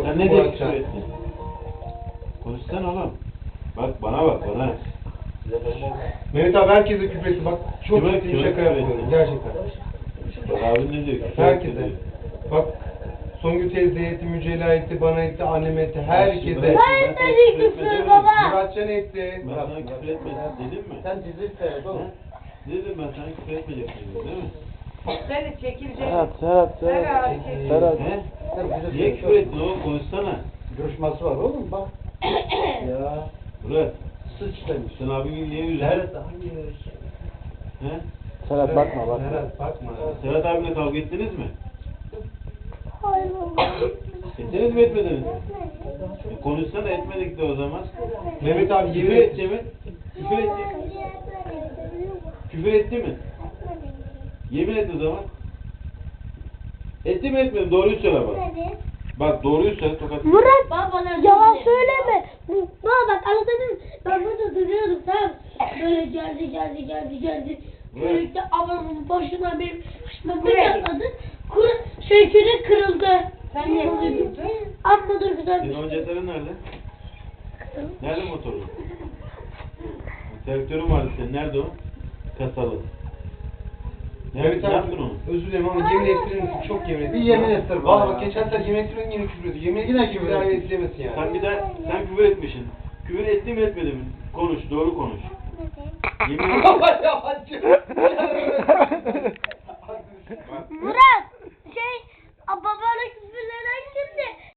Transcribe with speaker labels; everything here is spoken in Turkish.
Speaker 1: Sen ne diye küfür ettin? Konuşsana oğlum. Bak bana bak bana.
Speaker 2: Mehmet abi herkese küfür etti. Bak çok
Speaker 1: Kime-
Speaker 2: ciddi
Speaker 1: kime
Speaker 2: şaka
Speaker 1: küfür
Speaker 2: yapıyorum.
Speaker 1: ettin?
Speaker 2: Gerçekten.
Speaker 1: Bak abin ne diyor? Küfür
Speaker 2: Herkese.
Speaker 1: etti diyor.
Speaker 2: Bak Songül teyzeye etti, Mücella etti, bana etti, anneme etti, herkese.
Speaker 1: Ben sana küfür etmedim mi?
Speaker 2: Muratcan etti.
Speaker 1: Ben sana küfür etmedim dedim mi?
Speaker 3: Sen dizi seyret oğlum.
Speaker 1: He? Dedim ben sana küfür etmeyeceksin değil mi?
Speaker 4: Seni çekilecek.
Speaker 5: Serhat.
Speaker 1: He? Niye küfür ettin oğlum? Konuşsana.
Speaker 3: Coşması var oğlum bak. Ya.
Speaker 1: Murat.
Speaker 3: Sıçramış.
Speaker 1: Sen abini niye üzdün?
Speaker 3: Serhat hayır.
Speaker 1: He?
Speaker 5: Serhat bakma.
Speaker 2: Serhat bakma.
Speaker 1: Serhat abinle kavga ettiniz mi?
Speaker 6: Hayır baba.
Speaker 1: Ettiniz mi etmediniz mi? Konuşsana etmedik de o zaman.
Speaker 2: Mehmet abi
Speaker 1: Küfür
Speaker 2: yemin
Speaker 1: etti mi? Küfür etti. Küfür etti mi? Yemin et o zaman. Etti mi etmedi mi? Doğruyu söyle bak. Bak doğruyu söyle tokat.
Speaker 6: Murat yalan söyleme. Baba bak anladın. Ben burada duruyordum tamam. Böyle geldi. Böylelikle ablamın başına benim başıma bir atladı. Küre kırıldı.
Speaker 4: Sen niye kırıldın?
Speaker 6: Amma dur güzel bir
Speaker 1: Senin o cetvelin nerede? Nerede motorun? Traktörün vardı senin. Nerede o? Kasalı.
Speaker 2: Mehmet
Speaker 1: Ne
Speaker 2: abi
Speaker 1: yaptın onu?
Speaker 2: özür dilerim ama yemin ettirir misin? Çok yemin ettin.
Speaker 3: Bir yemin ettir bana
Speaker 2: Valla
Speaker 3: ya.
Speaker 2: bak geçen sefer yemin ettirdin yine küfür ediyor. Yemin
Speaker 3: Yine
Speaker 2: ettirdin
Speaker 3: küfür
Speaker 2: bir daha
Speaker 3: ettin.
Speaker 2: ettiremesin yani.
Speaker 1: Sen bir daha sen küfür etmişsin. Küfür etti mi etmedi mi? Konuş, doğru konuş. Yemin et.
Speaker 3: Baba yavaş.